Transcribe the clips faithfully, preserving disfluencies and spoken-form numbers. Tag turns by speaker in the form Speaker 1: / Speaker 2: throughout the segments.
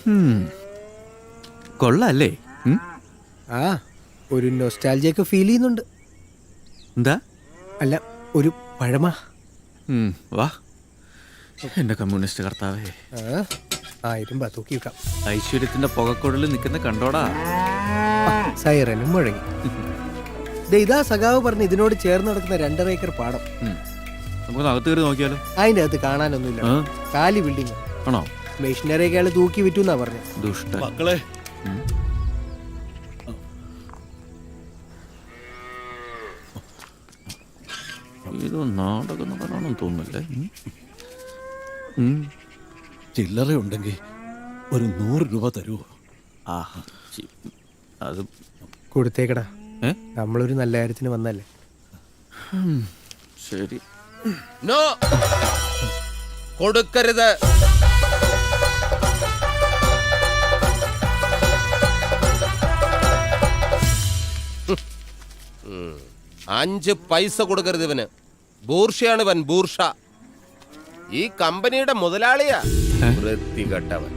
Speaker 1: കൊള്ളാല്ലേ?
Speaker 2: ആ ഒരു നൊസ്റ്റാൾജിയൊക്കെ ഫീൽ ചെയ്യുന്നുണ്ട്.
Speaker 1: എന്താ?
Speaker 2: അല്ല, ഒരു പഴമ.
Speaker 1: വാ എന്റെ കമ്മ്യൂണിസ്റ്റ് കർത്താവേ.
Speaker 2: ആയിരം രൂപ തൂക്കി വെക്കാം.
Speaker 1: ഐശ്വര്യത്തിന്റെ പുകക്കുഴലിൽ നിൽക്കുന്ന കണ്ടോടാ.
Speaker 2: സൈറനും മുഴങ്ങി. ഇതാ സഖാവ് പറഞ്ഞ് ഇതിനോട് ചേർന്ന് നടക്കുന്ന രണ്ടര ഏക്കർ പാടം.
Speaker 1: നമുക്ക് അകത്ത് കയറി നോക്കിയാലോ?
Speaker 2: അതിന്റെ അകത്ത് കാണാനൊന്നുമില്ല. കാലി ബിൽഡിംഗ്
Speaker 1: ആണോ?
Speaker 2: മെഷീനറി ഒക്കെ അയാൾ തൂക്കി വിറ്റു എന്നാ പറഞ്ഞു.
Speaker 1: ദുഷ്ട
Speaker 3: മക്കളെ,
Speaker 1: ഇത് നാടകം പറയാണെന്ന് തോന്നുന്നില്ലേ?
Speaker 3: ചില്ലറ ഉണ്ടെങ്കിൽ ഒരു നൂറ് രൂപ തരുമോ?
Speaker 1: ആഹാ, അത്
Speaker 2: കൊടുത്തേക്കടാ. നമ്മളൊരു നല്ല കാര്യത്തിന് വന്നല്ലേ.
Speaker 1: ശരി.
Speaker 4: നോ, കൊടുക്കരുത്. അഞ്ച് പൈസ കൊടുക്കരുത് ഇവന്. ബൂർഷയാണ് ഇവൻ, ബൂർഷ. ഈ കമ്പനിയുടെ മുതലാളിയാ. വൃത്തികെട്ടവൻ.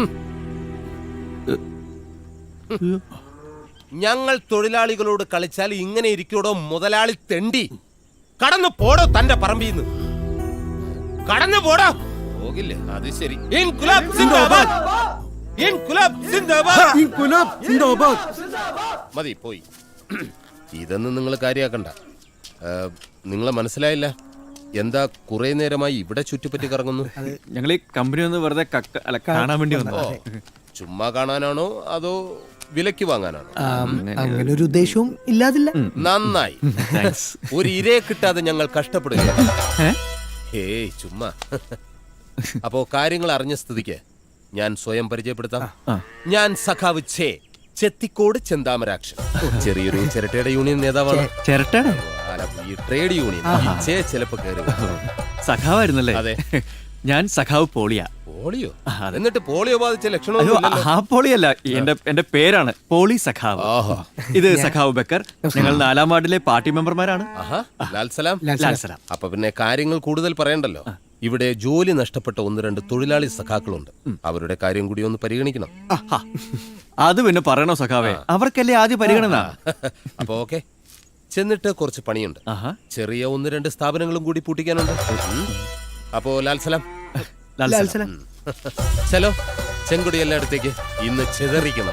Speaker 4: ഞങ്ങൾ തൊഴിലാളികളോട് കളിച്ചാൽ ഇങ്ങനെ ഇരിക്കൂടോ മുതലാളി തെണ്ടി. കടന്നു പോടോ തന്റെ പറമ്പിന്ന്. കടന്നു പോടോ. പോകില്ലേ? അത് ശരി. ഇൻകുലാബ് സിന്ദാബാദ്, ഇൻകുലാബ് സിന്ദാബാദ്,
Speaker 2: ഇൻകുലാബ് സിന്ദാബാദ്.
Speaker 4: മതി, പോയി. ഇതൊന്നും നിങ്ങൾ കാര്യാക്കണ്ട. നിങ്ങളെ മനസ്സിലായില്ല? എന്താ കുറെ നേരമായി ഇവിടെ ചുറ്റിപ്പറ്റി കറങ്ങുന്നു?
Speaker 1: ഞങ്ങൾ ഈ കമ്പനി ഒന്ന് വെറുതെ അല്ല കാണാൻ വേണ്ടി വന്നോ?
Speaker 4: ചുമ്മാ കാണാനാണോ അതോ വിലക്ക് വാങ്ങാനാണോ?
Speaker 2: അങ്ങനെ ഒരു ഉദ്ദേശവും ഇല്ലാതില്ല.
Speaker 4: നന്നായി. ഒരു ഇരയെ കിട്ടാതെ ഞങ്ങൾ കഷ്ടപ്പെടുക. ഏയ് ചുമ്മാ. അപ്പോ കാര്യങ്ങൾ അറിഞ്ഞ സ്ഥിതിക്ക് ഞാൻ സ്വയം പരിചയപ്പെടുത്താം. ഞാൻ സഖാവ് ഛേ ചെത്തിക്കോട് ചെന്താമരാക്ഷൻ. ചെറിയൊരു ചിരട്ടയുടെ യൂണിയൻ നേതാവാണ്.
Speaker 1: ചിരട്ടയുടെ
Speaker 4: ഈ ട്രേഡ് യൂണിയൻ ഛേ ചിലപ്പോ കയറി.
Speaker 1: സഖാവായിരുന്നല്ലേ?
Speaker 4: അതെ.
Speaker 1: ഞാൻ സഖാവ് പോളിയ.
Speaker 4: പോളിയോ? എന്നിട്ട് പോളിയോ ബാധിച്ച ലക്ഷണമൊന്നും
Speaker 1: ആ പോളിയല്ല, എന്റെ എന്റെ പേരാണ് പോളി സഖാവ്. ഇത് സഖാവ് ബക്കർ. ഞങ്ങൾ നാലാം വാർഡിലെ പാർട്ടി മെമ്പർമാരാണ്.
Speaker 4: ലാൽ സലാം. അപ്പൊ പിന്നെ കാര്യങ്ങൾ കൂടുതൽ പറയണ്ടല്ലോ. ഇവിടെ ജോലി നഷ്ടപ്പെട്ട ഒന്ന് രണ്ട് തൊഴിലാളി സഖാക്കളുണ്ട്. അവരുടെ കാര്യം കൂടി ഒന്ന് പരിഗണിക്കണം.
Speaker 1: അത് പിന്നെ പറയണോ സഖാവേ? അവർക്കല്ലേ ആദ്യം പരിഗണന.
Speaker 4: അപ്പൊ ഓക്കെ, ചെന്നിട്ട് കുറച്ച് പണിയുണ്ട്. ചെറിയ ഒന്ന് രണ്ട് സ്ഥാപനങ്ങളും കൂടി പൂട്ടിക്കാനുണ്ട്. അപ്പോ ലാൽ സലാം. ചലോ, ചെങ്കുടി എല്ലായിടത്തേക്ക് ഇന്ന് ചെതറിക്കണം.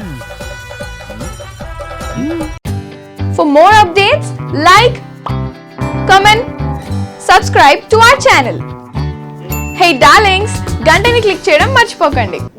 Speaker 5: For more updates, like, comment, subscribe to our channel. Hey darlings, గంటని click చేయడం మర్చిపోకండి.